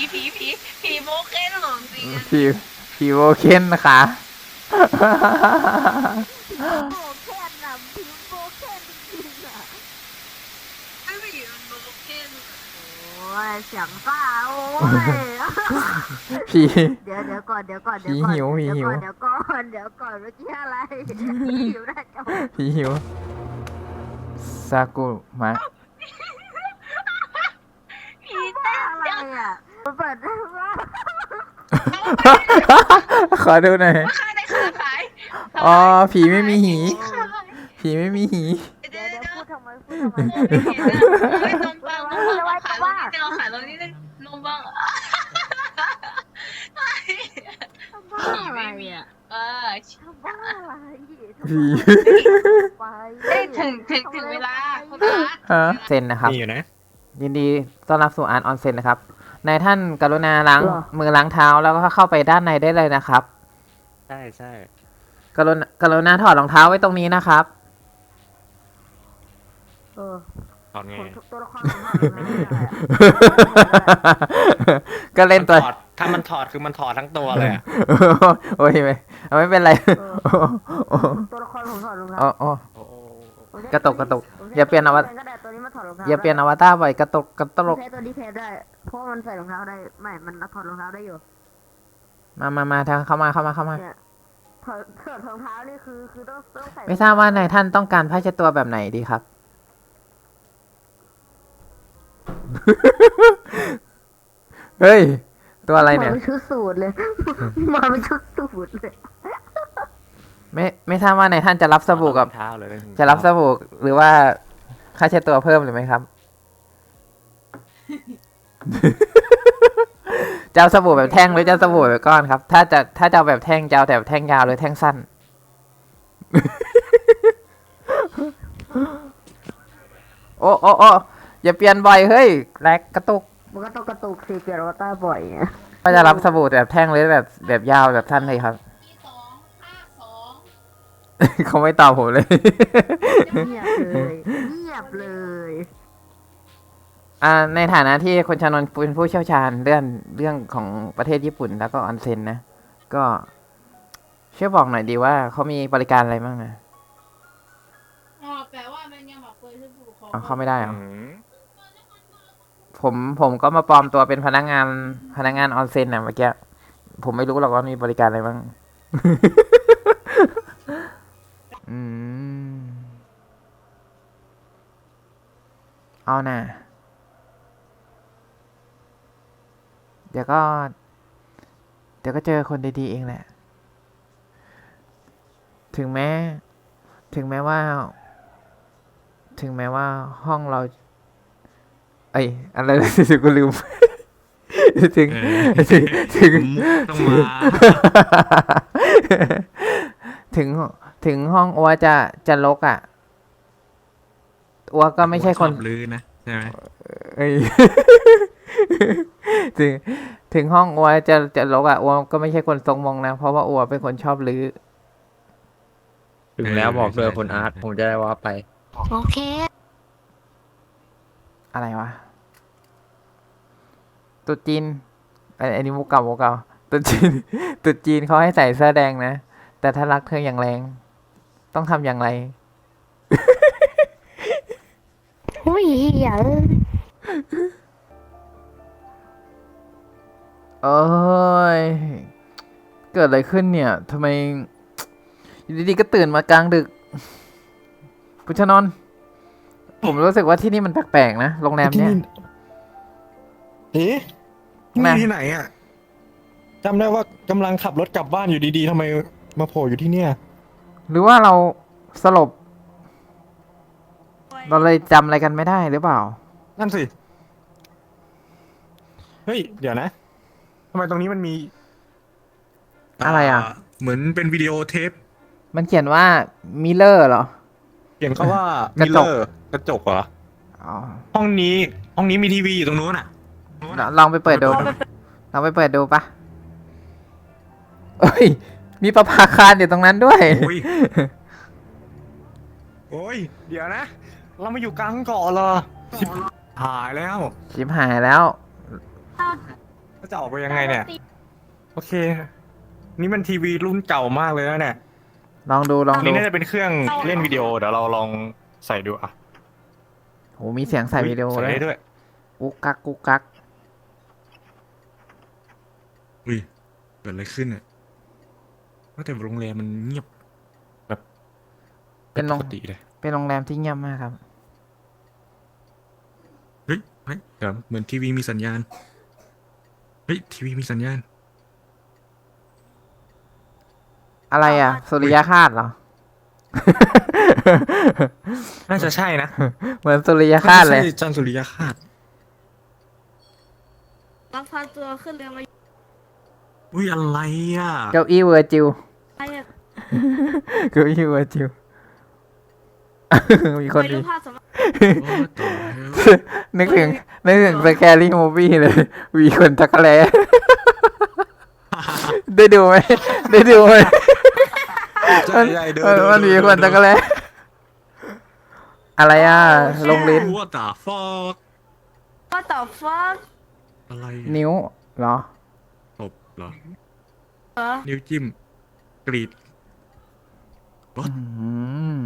ผีโมเก้นของจริงอะผีโวเคนนะคะโบแคนน่ะพิมพ์โบแคนจริงๆอ่ะไม่ผีมันโมเก้นโอ้ยเสียงซ่าโอ้ยผีเดี๋ยวก่อนเดี๋ยวก่อนผีหิวผีหิวเดี๋ยวก่อนเมื่อกี้อะไรหิวได้จังผีหิวซากุมะผีเต้นอะไรจังอ่ะเปิดได้ว่าขอดูหน่อยว่าข้าได้ขาขายอ๋อผีไม่มีหี ผีไม่มีหีเดี๋ยวพูดทำไมไม่เห็นอะไม่ตรงปังขายตรงนี้เราขายตรงนี้นมบ้างบ้าอะไรอ่ะ บ้าอะไรผีไปถึงเวลาคุณอาฮะเซ็นนะครับมีอยู่นะยินดีต้อนรับสู่อาร์ตออนเซ็นนะครับนายท่านกรุณาล้างมือล้างเท้าแล้วก็เข้าไปด้านในได้เลยนะครับใช่ใช่กรุณาถอดรองเท้าไว้ตรงนี้นะครับเออถอดไงตัวละครของเราไม่ได้อะก็เล่นตัวถ้ามันถอดคือมันถอดทั้งตัวเลยอะโอ้ยไม่เป็นไรตัวละครผมถอดรองเท้าโอ้โอ้โหกระตุกอย่าเปลี่ยนอวตารก็ได้ตัวนี้มาถอดรองเท้าอย่าเปลี่ยนอวตารบ่อยกระตุกใช้ตัวนี้แทนได้เพราะมันใส่รองเท้าได้ไม่มันถอดรองเท้าได้อยู่มาทางเข้ามาเนี่ยถอดรองเท้านี่คือต้องใส่ไม่ทราบว่านายท่านต้องการผ้าเช็ดตัวแบบไหนดีครับ เฮ้ย ตัวอะไรเนี่ยมาเป็นชุดสูทเลย มาเป็นชุดสูทเลยไม่ทราบว่านายท่านจะรับสบู่กับเท้าเลยจะรับสบู่หรือว่าค่าเช็ดตัวเพิ่มหรือไหมครับ จะเอาสบู่แบบแท่งหรือจะเอาสบู่แบบก้อนครับ ถ้าจะเอาแบบแท่งจะเอาแบบแท่งยาวหรือแท่งสั้น โอ้อย่าเปลี่ยนบ่อยเฮ้ยแลกกระตุกมันก็ต้องกระตุกสิเปลี่ยนอวตารบ่อยไงก็จะรับสบู่แบบแท่งหรือแบบยาวแบบสั้นเลยครับ เขาไม่ตอบผมเลยเงียบเลยเงียบเลยในฐานะที่คนชานนท์เป็นผู้เชี่ยวชาญเรื่องของประเทศญี่ปุ่นแล้วก็ออนเซ็นนะ ก็ช่วยบอกหน่อยดีว่าเขามีบริการอะไรบ้างนะแปลว่ามันยังบอกเปิดที่ผู้ปกครองอ๋อเข้าไม่ได้เหรออืมผมก็มาปลอมตัวเป็นพนักงานออนเซ็นนะเมื่อกี้ผมไม่รู้หรอกว่ามีบริการอะไรบ้าง อืมเอาน่ะ เดี๋ยวก็เจอคนดีๆเองแหละ ถึงแม้ว่าห้องเรา เอ้ยอะไรนะสิกูลืม ถึงต้องมาถึงห้องอัวจะรกอ่ะอัวก็ไม่ใช่คนชอบลือนะใช่ไหมเอ้ย ถึงห้องอัวจะรกอ่ะอัวก็ไม่ใช่คนทรงมงนะเพราะว่าอัวเป็นคนชอบลื้อถึงแล้วบอกเลยคุณอาร์ตผมจะได้ว่าไปโอเคอะไรวะตรุษจีนอันนี้มุกเก่าตรุษจีน ตรุษจีนเขาให้ใส่เสื้อแดงนะแต่ถ้ารักเธออย่างแรง ต้องทำอย่างไรอุ้ยอย่าเอ้ย เกิดอะไรขึ้นเนี่ย ทำไมอยู่ดีๆก็ตื่นมากลางดึกพุชนนท์ผมรู้สึกว่าที่นี่มันแปลกๆนะ โรงแรมเนี่ยเอ๊ะมานี่ที่ไหนอ่ะจำได้ว่ากำลังขับรถกลับบ้านอยู่ดีๆทำไมมาโผล่อยู่ที่เนี่ยหรือว่าเราสลบ เราเลยจำอะไรกันไม่ได้หรือเปล่านั่นสิ เฮ้ย เดี๋ยวนะทำไมตรงนี้มันมีอะไรอ่ะเหมือนเป็นวิดีโอเทปมันเขียนว่ามิเลอร์เหรอเขียนเขาว่ากระจกมิเลอร์กระจกเหรออ๋อห้องนี้มีทีวีอยู่ตรงนู้นอ่ะลองไปเปิดดูลองไปเปิดดูปะเอ้ย มีประภาคารอยู่ตรงนั้นด้วยโอ้ย โอ้ย เดี๋ยวนะ เรามาอยู่กลางเกาะเหรอชิบหายแล้วชิบหายแล้วเก็จะออกไปยังไงเนี่ย โอเค นี่มันทีวีรุ่นเก่ามากเลยนะเนี่ยลองดูอันนี้น่าจะเป็นเครื่องเล่นวิดีโอ เดี๋ยวเราลองใส่ดูอ่ะโหมีเสียงใส่วิดีโอใส่ด้วยได้ด้วยกุ๊กกักกุ๊กกักอุ้ยเกิดอะไรขึ้นอ่ะว่าแต่โรงแรมมันเงียบแบบเป็นโรงปกติเลยเป็นโรงแรมที่เงียบมากครับเฮ้ยเดี๋ยวเหมือนทีวีมีสัญญาณเฮ้ยทีวีมีสัญญาณอะไรอ่ะสุริยคาตเหรอน่าจะใช่นะเหมือนสุริยคาตเลยใช่จันทร์สุริยคาตลักพาตัวขึ้นเรือมาอุ้ยอะไรอ่ะเก้าอี้เวอร์จิวใครอะเก้าอี้เวอร์จิว มีคนไปดูดีภาพสมโอ้ต่อแล้วนึกถึงสแกรี่มูฟี่เลย วีคนจักรแล ได้ดูไหมได้ดูไหมใช่ใช่เดินมันมีคนจักรแลอะไรอ่ะ ลงลิ้นว่าต่อฟอกว่าต่อฟักอะไรอะนิ้วเหรอตบเหรอเหรอนิ้วจิ้ม กรีดอืม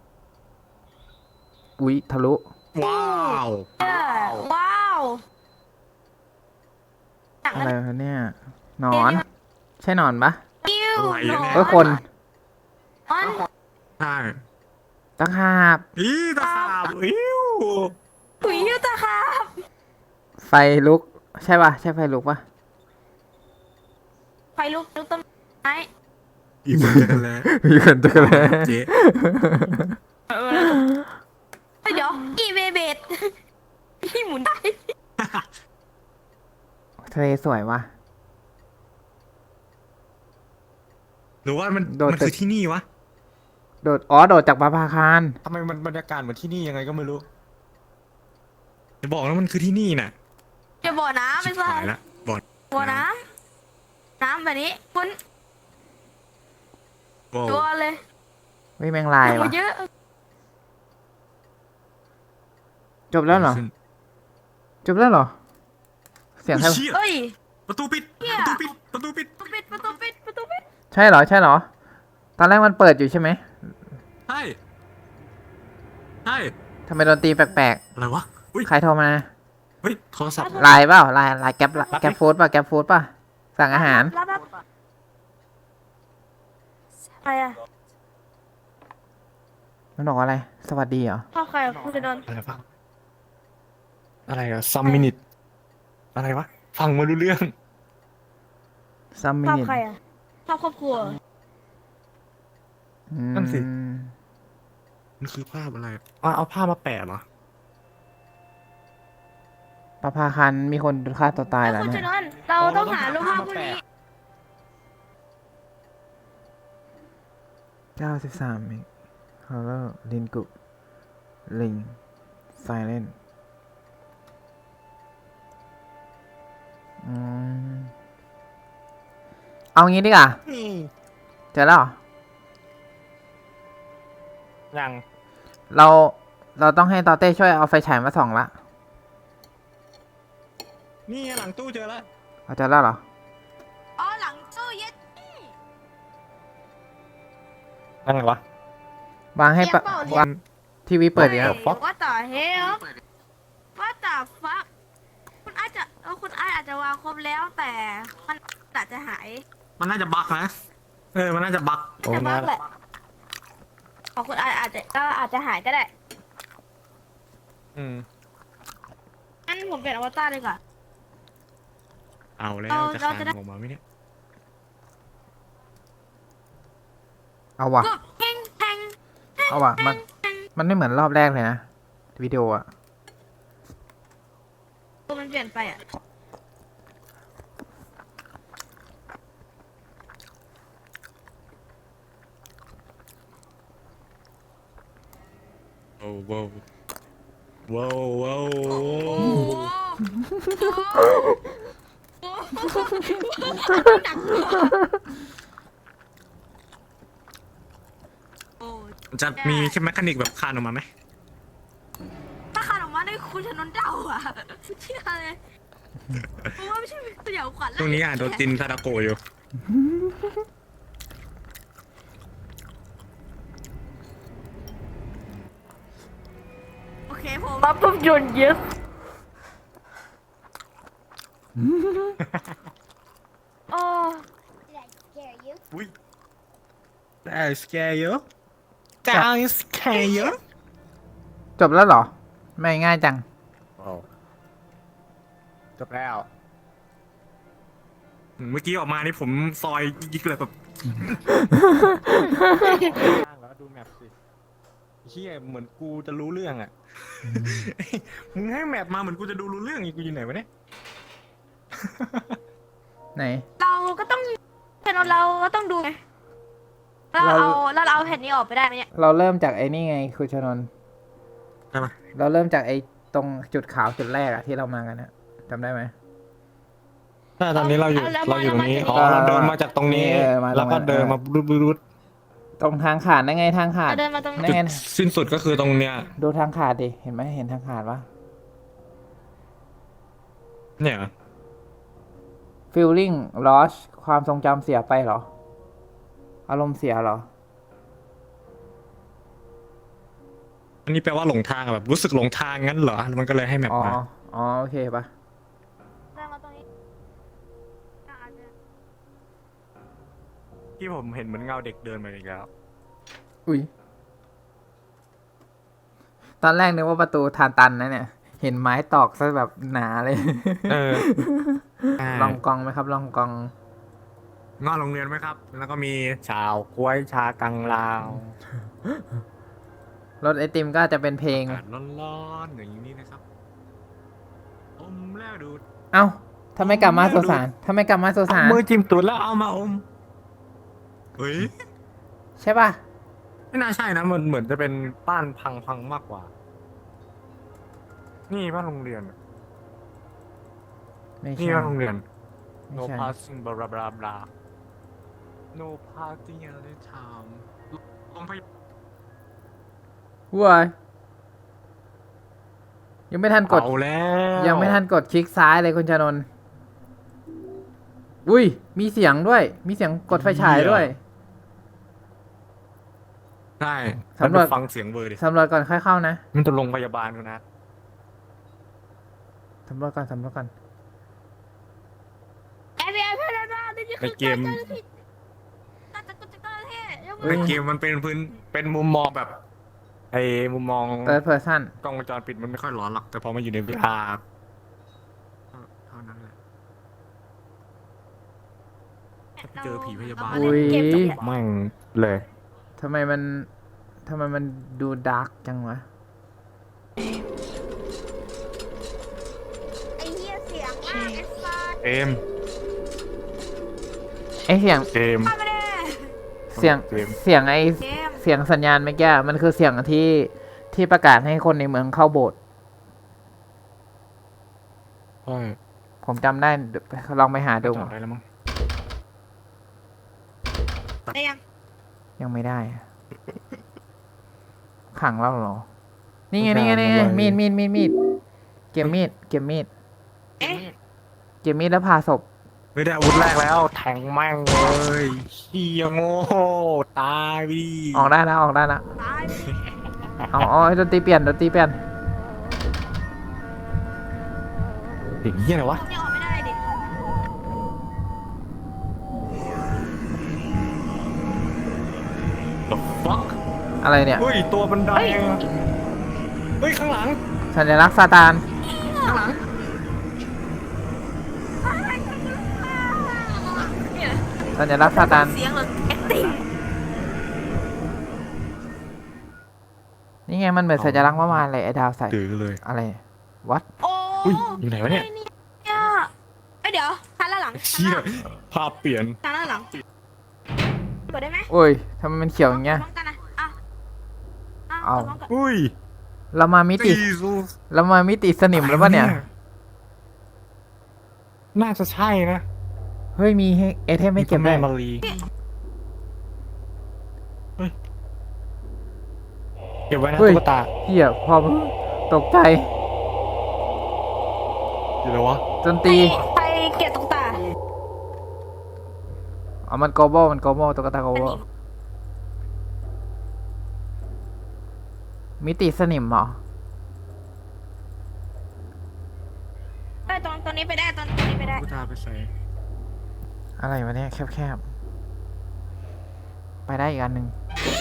อุ๊ยทะลุว้าวว้าวหนังอะนั้นไรคะเนี่ยหนอน ใช่หนอนปะกิ้วอะไรหนอะเนี่ยเอ้ยคนมันใช่ตะขาบอีตะขาบอิ้วถุยยูตะครับไฟลุก ใช่ปะใช่ไฟลุกปะไฟลุกต้นไม้อีคนจะกันแล้วมีคนจักรแลเจ๊เดี๋ยวอีเบเบดพี่หมุนได้ทะเลสวยวะหรือว่ามันโดดมันตึกคือที่นี่วะโดดจากปะพาคารทำไมมันบรรยากาศเหมือนที่นี่ยังไงก็ไม่รู้จะบอกแล้วมันคือที่นี่น่ะจะบ่อน้ำไปชิบซะหายละบอดบ่อน้ำน้ำแบบนี้คุณโว้วตัวเลยวิแมงลายวะเยอะจบแล้วเหรอ จบแล้วเหรอ เสียงใครเชี่ยเฮ้ยประตูปิดเหี้ยประตูปิดประตูปิดประตูปิดใช่เหรอ ใช่เหรอ ตอนแรกมันเปิดอยู่ใช่ไหมใช่ใช่ทำไมดนตรีแปลกอะไรวะ อุ้ยๆ ใครโทรมาเฮ้ย โทรศัพท์ไลน์เปล่าไลน์แก๊ปฟู้ดป่ะแก๊ปฟู้ดป่ะ สั่งอาหารรับอะไรอะมันบอกว่าอะไร สวัสดีเหรอพ่อใครอะคุณจะโดนอะไรวะอะไรอะซัมมินิตอะไรวะ ฟังไม่รู้เรื่องซัมมิภาพนิใครอะภาพครอบครัวนั่นสิมันคือภาพอะไรเอาผ้ามาแปะเหรอปะพาคันมีคนฆ่าตัวตายแล้วคุณเนี่จะยโดนเราต้องหารูปภาพพวกนี้ 93เมกฮอลเลอร์ลินกุลิงไซเลนเอางี้ดีกว่าเจอแล้วเหรอยังเราต้องให้ตอเต้ช่วยเอาไฟฉายมาส่องละนี่หลังตู้เจอแล้วเอาเจอแล้วเหรออ๋อหลังตู้เย็ดนั่นไงวะวางให้ปะวางทีวีเปิดอยู่แล้ว fuck ว่าต่อเฮลว่าต่อฟักคุณอาจจะคุณอาจจะวางครบแล้วแต่มันอาจจะหายมันน่าจะบั๊กนะ มันน่าจะบั๊กโอ้แต่บ้าน่าแหละของคุณอาจจะหายก็ได้อืมงั้นผมเปลี่ยนอวตารเลยก่อนเอาแล้วเอาจะเราคาจะนได้ออกมาไหมเนี่ยเอาวะก็แพงแพงเอาวะมันไม่เหมือนรอบแรกเลยนะ วิดีโออะตัวมันเปลี่ยนไปอ่ะโอ้โว้วว้าวว้าวโอ้โหหนักตัวโอ้จะมีแค่แมคานิกแบบคานออกมาไหมถ้าขาดออกมาได้คุณชนนเดาอ่ะเชื่อเลยเพราะว่าไม่ใช่สยองขวัญตรงนี้อ่านโดนจินซาดาโกะอยู่โอเคผมรับภาพยนตร์ yes โอ้อุ้ย That scare you That scare you จบแล้วเหรอ ไม่ง่ายจังจบแล้วเมื่อกี้ออกมานี่ผมซอยยิกเลยแบบแล้วดูแมปสิเฮียเหมือนกูจะรู้เรื่องอ่ะมึงให้แมปมาเหมือนกูจะดูรู้เรื่องอีกกูอยู่ไหนวะเนี่ยไหนเราก็ต้องแผ่นเราก็ต้องดูไงเราเอาแผ่นนี้ออกไปได้ไหมเนี่ยเราเริ่มจากไอ้นี่ไงคุณชนนท์ได้ปะเราเริ่มจากไอ้ตรงจุดขาวจุดแรกอะที่เรามากันนะจำได้ไหมถ้าตอนนี้เราอยู่ตรงนี้อ๋อเราเดินมาจากตรงนี้ แล้วก็เดินมารุดตรงทางขาดนั่นไงทางขาดเราเดินมาตรงนั่นี้นไงสิ้นสุดก็คือตรงเนี้ยดูทางขาดดิ เห็นไหมเห็นทางขาดปะเนี่ย feeling lost ความทรงจำเสียไปเหรอ อารมณ์เสียเหรออันนี้แปลว่าหลงทางอะแบบรู้สึกหลงทางงั้นเหรอมันก็เลยให้แมปอ๋อมาอ๋อ โอเคปะเดินมาตรงนี้อาจจะที่ผมเห็นเหมือนเงาเด็กเดินมาอีกแล้วอุ้ย ตอนแรกนึกว่าประตูทานตันนะเนี่ย เห็นไม้ตอกซะแบบหนาเลยเออลองกองไหมครับ ลองกองงอโรงเรียนไหมครับ แล้วก็มีชาวกล้วยชากังลาวรถไอติมก็จะเป็นเพลงอากาศร้อนๆอย่างนี้นะครับอมแล้วดูดเอ้าทำไมกลับมาสุสานทำไมกลับมาสุสานมือจิ้มตูดแล้วเอามาอมเฮ้ยใช่ป่ะไม่น่าใช่นะมันเหมือนจะเป็นบ้านพังมากกว่า นี่บ้านโรงเรียนไม่นี่ใช่บ้านโรงเรียนไม่ no ใช่ passing blah blah blah no parking at the time โรงพยาบาลว้ายยังไม่ทันกดเอาแล้วยังไม่ทันกดคลิกซ้ายเลยคุณชานนท์อุ้ย มีเสียงด้วย มีเสียงกดไฟฉายด้วยใช่สำรวจฟังเสียงเบอร์ดิสำรวจก่อนค่อยเข้านะมันจะโรงพยาบาลกูนะสำรวจก่อน สำรวจก่อน FBI พนันว่านี่คือในเกมการจัดการเจ้าหน้าที่ยกมืในอเกมมันเป็นพื้นเป็นมุมมองแบบไอ้มุมมอง third person กล้องวงจรปิดมันไม่ค่อยร้อนหรอก แต่พอมาอยู่ใน VR เท่านั้นแหละเจอผีพยาบาลอุ้ยเกมจบแล้วแม่งเลยทำไมมันดูดาร์กจังวะไอ้เหี้ยเสียงมากไอ้สัสเกมไอเสียงเกมมาไม่ได้เสียงเกมเสียงไอเกมเสียงสัญญาณเมื่อกี้มันคือเสียงที่ประกาศให้คนในเมืองเข้าโบสถ์ใช่ผมจำได้เดี๋ยวลองไปหาดูจอดได้แล้วมั้งได้ยังยังไม่ได้อะขังเราเหรอ นี่ไงนี่ไงนี่ไงมีดเก็บมีดเอ๊ะเก็บมีดแล้วพาศพไม่ได้อาวุธแรกแล้ว แทงแม่งเลยเฮียโง่ตายดิออกได้แล้วตายเอาดนตรีเปลี่ยนเด็กเฮียอะไรวะตรงนี้ออกไม่ได้ดิ The fuck อะไรเนี่ยเฮ้ย ตัวบันไดอะเฮ้ย ข้างหลังสัญลักษณ์ซาตานข้างหลังเนี่ยสัญลักษณ์ซาตานเสียงเหรอ acting นี่ไงมันเหมือนสัญลักษณ์เมื่อวานเลยไอ้ดาวใส่ดื้อเลยอะไร วัดโอ้อุ้ย อยู่ไหนวะเนี่ยเนี่ยเอ้ยเดี๋ยวทันละหลังเฮียภาพเปลี่ยนทันละหลังกดได้ไหมโอ้ยทำไมมันเขียวอย่างเงี้ยพร้อมกันนะอ่ะเอาพร้อมกันอุ้ยเรามามิติ เรามามิติสนิมแล้วปะเนี่ยน่าจะใช่นะเฮ้ย มีให้ไอเทมไม่เก็บแม่ได้มารีเฮ้ยเก็บไว้นะเฮ้ยตุ๊กตาเหี้ยพอตกใจอยู่แล้ววะดนตรีไปเก็บตรงตาอ๋อมันโกโบมันโกโบตุ๊กตาโกโบมิติสนิมเหรอได้ตรงนี้ไปได้ตรงนี้ไปได้กูตาไปใส่อะไรวะเนี่ยแคบๆ ไปได้อีกอันหนึ่ง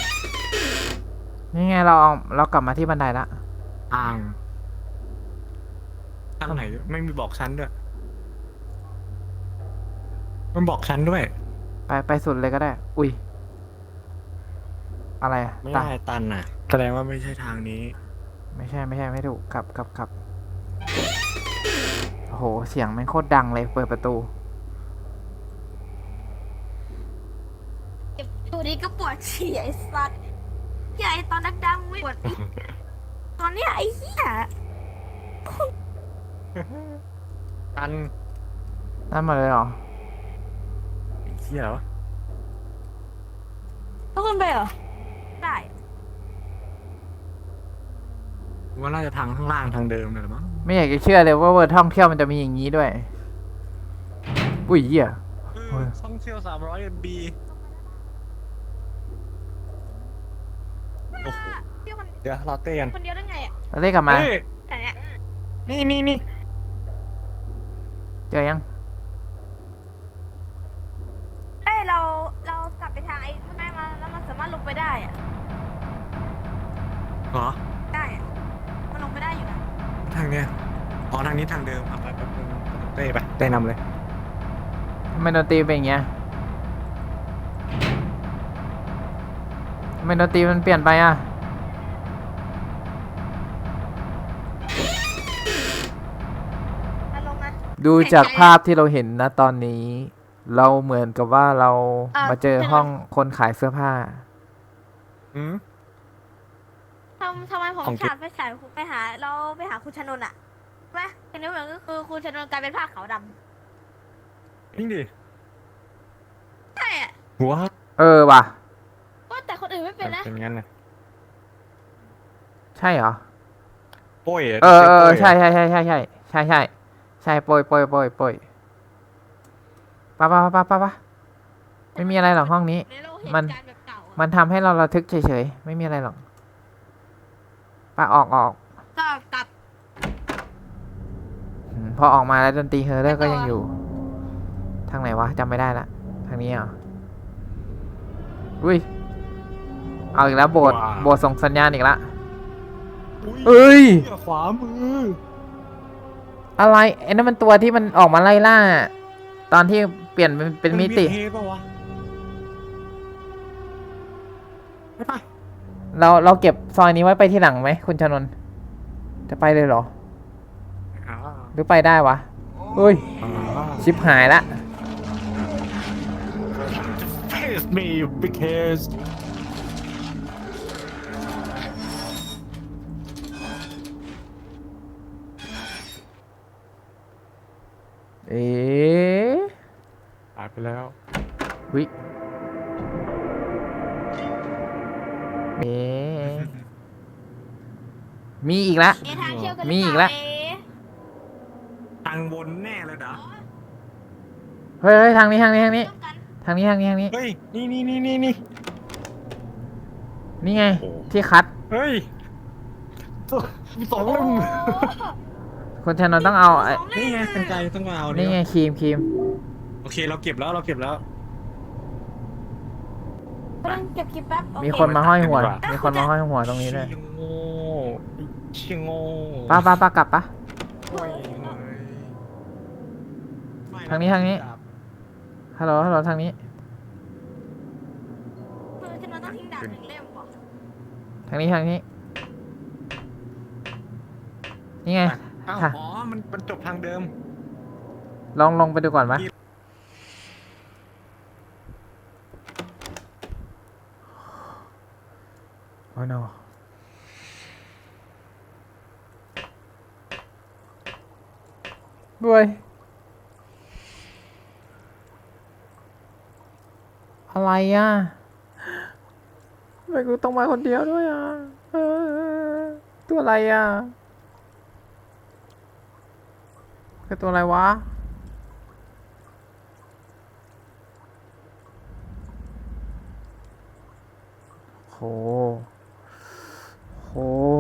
นี่ไงเรากลับมาที่บันไดละอ่างทางไหนไม่มีบอกชั้นด้วย มันบอกชั้นด้วยไปสุดเลยก็ได้ อุ้ย อะไรอะไม่ตันได้ตันน่ะ แสดงว่าไม่ใช่ทางนี้ไม่ใช่ไม่ถูกกลับโอ้โห เสียงแม่งโคตรดังเลย เปิดประตูอยู่ดีก็ปวดฉี่ไอ้สัตว์ใหญ่ตอนดังๆไม่ปวดอีกตอนเนี้ยไอ้เหี้ยตันนั่นมาเลยเหรอไอ้เหี้ยเหรอวะทุกคนไปเหรอได้ว่าน่าจะทางข้างล่างทางเดิมเลยหรือมั้งไม่อยากจะเชื่อเลยว่าเวอร์ท่องเที่ยวมันจะมีอย่างนี้ด้วย อุ้ยเหี้ย เฮ้ยท่องเที่ยว300 MB โอ้โหเที่ยวคนเดี๋ยวเราเต้กันคนเดียวได้ไงอ่ะเราได้กลับมาเฮ้ยแต่เนี้ยนี่เจอยังเอ้ยเรากลับไปทางไอ้ข้างในมาแล้วมันสามารถลงไปได้อ่ะเหรอได้อะมันลงไปได้อยู่นะทางเนี้ยอ๋อทางนี้ทางเดิมอ่ะไปเต้ไปเต้นำเลยทำไมดนตรีเป็นอย่างเงี้ยทำไมดนตรีมันเปลี่ยนไปอ่ะมันลงนะดูจากภาพที่เราเห็นนะตอนนี้ เราเหมือนกับว่าเรามาเจอห้องคนขายเสื้อผ้าอืมทำไมผมของเก็บฉาดไปฉายไปหาเราไปหาคุณชนนท์อ่ะใช่ไหมทีนี้เหมือนก็คือคุณชนนท์กลายเป็นผ้าขาวดจริงดิำใช่อ่ะหัวเออว่ะว่าแต่คนอื่นไม่เป็นนะเป็นงั้นนะใช่เหรอโป้ยะเออโป้ยอะใช่โปยปะไม่มีอะไรหรอกห้องนี้ในโลกเห็นมันการแบบเก่าอะมันทำให้เราระทึกเฉยๆ ไม่มีอะไรหรอกปะออกก็กลับพอออกมาแล้วดนตรีเฮอร์เรอร์ก็ยังอยู่ ทางไหนวะจำไม่ได้ละ ทางนี้เหรอ อุ้ย เอาอีกแล้วโบสถ์ส่งสัญญาณอีกละอุ๊ยเอ้ยเหี้ยขวามืออะไรไอ้นั่นมันตัวที่มันออกมาไล่ล่า ตอนที่เปลี่ยนเป็นมิติเทปะวะไม่ไปเราเก็บซอยนี้ไว้ไปที่หลังไหมคุณชนนท์จะไปเลยเหรออ่าหรือไปได้วะเฮ้ย ชิปหายละ Face me because เอ๊ะตายไปแล้ววิเอ๊ะมีอีกละเอะทางเที่ยวกันหมีรืออีกเปแล้ล่าว เอ๊ะทางบนแน่เลยเด้อเฮ้ยทางนี้ร่วมกันทางนี้เฮ้ย นี่นี่ไงโอ้ที่คัดเฮ้ยสองเล่มคุณชนนท์ต้องเอาไอ้นี่ไงเป็นไกลต้องมาเอานี่นี่ไงครีมโอเคเราเก็บแล้วกำลังเก็บคลิปแป๊บโอเมีคนมาห้อยหัวดีกว่ามีคนมาห้อยหัวตรงนี้เลยเชี่ยโง่ป้ากลับปะโอ้ยทางนี้ฮัลโหลทางนี้คือฉันต้องทิ้งดาบหนึ่งเล่มก่อนทางนี้นี่ไงอ้าวค่ะอ๋อ มันจบทางเดิมลงไปดูก่อนปะโอ้ย no ด้วยอะไรอ่ะทำไมกูต้องมาคนเดียวด้วยอ่ะตัวอะไรอ่ะคือตัวอะไรวะโหโห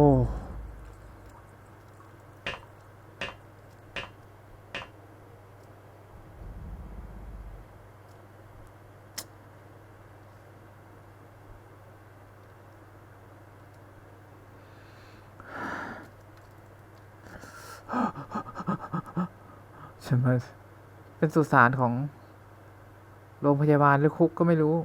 ฉันมาเป็นสุสานของโรงพยาบาลหรือคุกก็ไม่รู้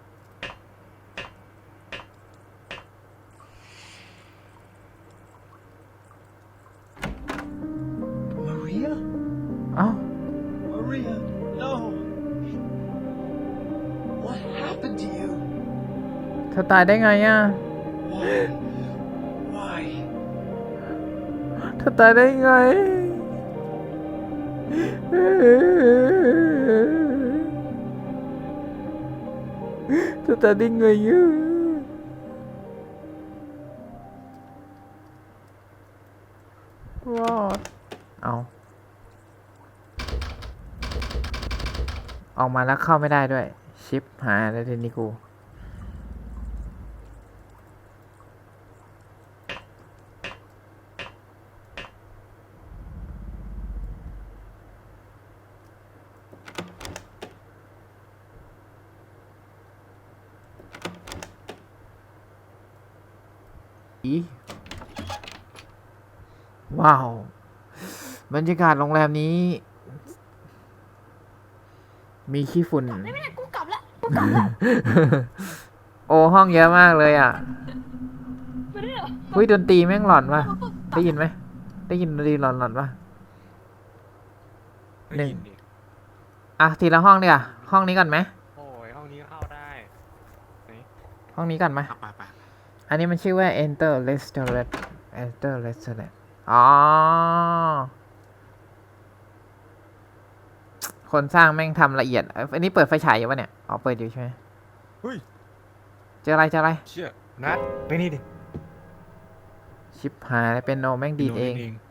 Maria? เอ้า Maria, no. What happened to you? เธอตายได้ไงอ่ะ Why? Why? เธอตายได้ไง เธอตายได้ไงอ่ะรอดเอาออกมาแล้วเข้าไม่ได้ด้วย ชิปหายแล้วทีนี้กู ว้าว บรรยากาศโรงแรมนี้ มีขี้ฝุ่นไม่ได้กูกลับละโอ้ห้องเยอะมากเลยอ่ะไม่ได้เหรอเฮ้ยดนตรีแม่งหลอนว่ะ ได้ยินไหม ได้ยินดนตรีหลอนๆป่ะ หนึ่ง อ่ะ ทีละห้องดีกว่าห้องนี้ก่อนไหมโอ้ยห้องนี้เข้าได้ห้องนี้ก่อนไหมไปอันนี้มันชื่อว่า Enter Restaurant Enter Restaurant อ๋อ คนสร้างแม่งทำละเอียด อันนี้เปิดไฟฉายอยู่ปะเนี่ย อ๋อ เปิดอยู่ใช่ไหมเฮ้ยเจออะไรเจออะไรเชี่ยนัดไปนี่ดิชิปหายแล้วเป็นโนแม่งดีดเอง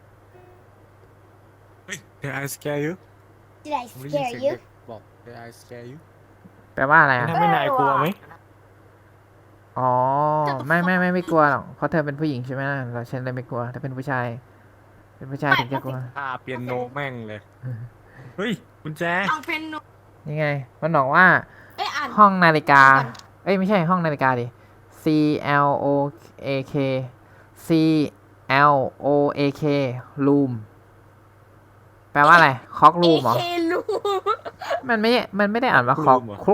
เฮ้ย Did I scare you Did I ผมได้ยิน scare เสียง you เด็กบอก Did I scare you แปลว่าอะไรอ่ะทำให้นายกลัวไหมอ๋อ ไม่กลัวหรอก เพราะเธอเป็นผู้หญิงใช่ไหมล่ะเราฉันเลยไม่กลัว ถ้าเป็นผู้ชาย เป็นผู้ชายถึงจะกลัวถ้าเปียโนแม่งเลยเฮ้ยกุญแจเอาเป็นหนูนี่ไง มันบอกว่าเอ้ยอ่านห้องนาฬิกา เอ้ย ไม่ใช่ห้องนาฬิกาดิ C L O A K C L O A K room แปลว่าอะไร คอกรูมเหรอเคลูมันไม่ได้อ่านว่าคอก Room เหรอครุก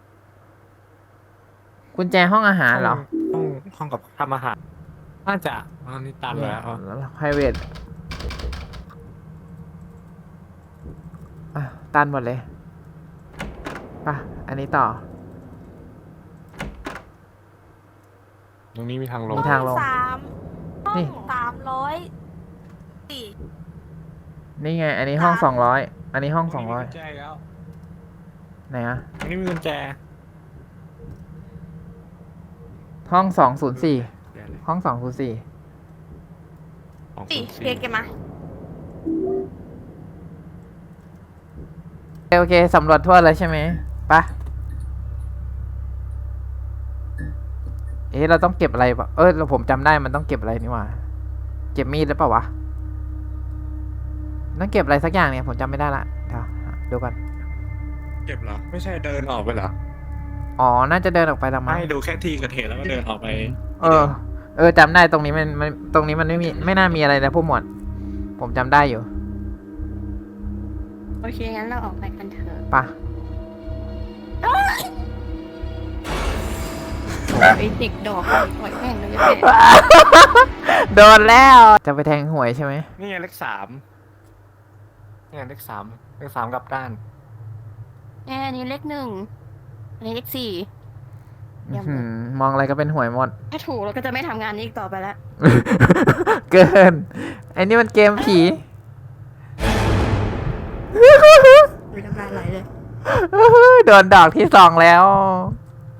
กุญแจห้องอาหารเหรอห้องกับทำอาหาร น่าจะอันนี้ตันแล้ว private อ่ะตันหมดเลยป่ะ อันนี้ต่อตรงนี้มีทางลงมีทางลง 3 ห้อนี่ง304 นี่ไง อันนี้ห้อง200 อันนี้ห้องมีกุญแจแล้ว 200ไหนอะอันนี้มีกุญแจห้อง204 เดี๋ยวเลยห้อง204 ของสี่ 04 เรียกกันมาโอเคสำรวจทั่วเลยใช่ไหมปะเอ๊ะเราต้องเก็บอะไรปะผมจำได้มันต้องเก็บอะไรนี่หว่า เก็บมีดหรือเปล่าวะต้องเก็บอะไรสักอย่างเนี่ยผมจำไม่ได้ละเดี๋ยวก่อนเก็บเหรอ ไม่ใช่เดินออกไปเหรออ๋อ น่าจะเดินออกไปละมั้งไม่ดูแค่ที่เกิดเหตุแล้วก็เดินออกไปจำได้ตรงนี้มันตรงนี้มันไม่น่ามีอะไรนะพวกหมวด ผมจำได้อยู่โอเค งั้นเราออกไปกันเถอะปะไอเด็กดอกปล่อยแม่งเลยโดนแล้ว จะไปแทงหวยใช่ไหมนี่ไงเลข 3นี่ไงเลข 3 เลข 3กลับด้านอันนี้เลข 1 อันนี้เลข 4 อื้อหือมองอะไรก็เป็นหวยหมดถ้าถูกเราก็จะไม่ทำงานนี้อีกต่อไปแล้วเกิน ไอ้นี่มันเกมผีมีน้ำลายไหลเลยโดนดอกที่2แล้ว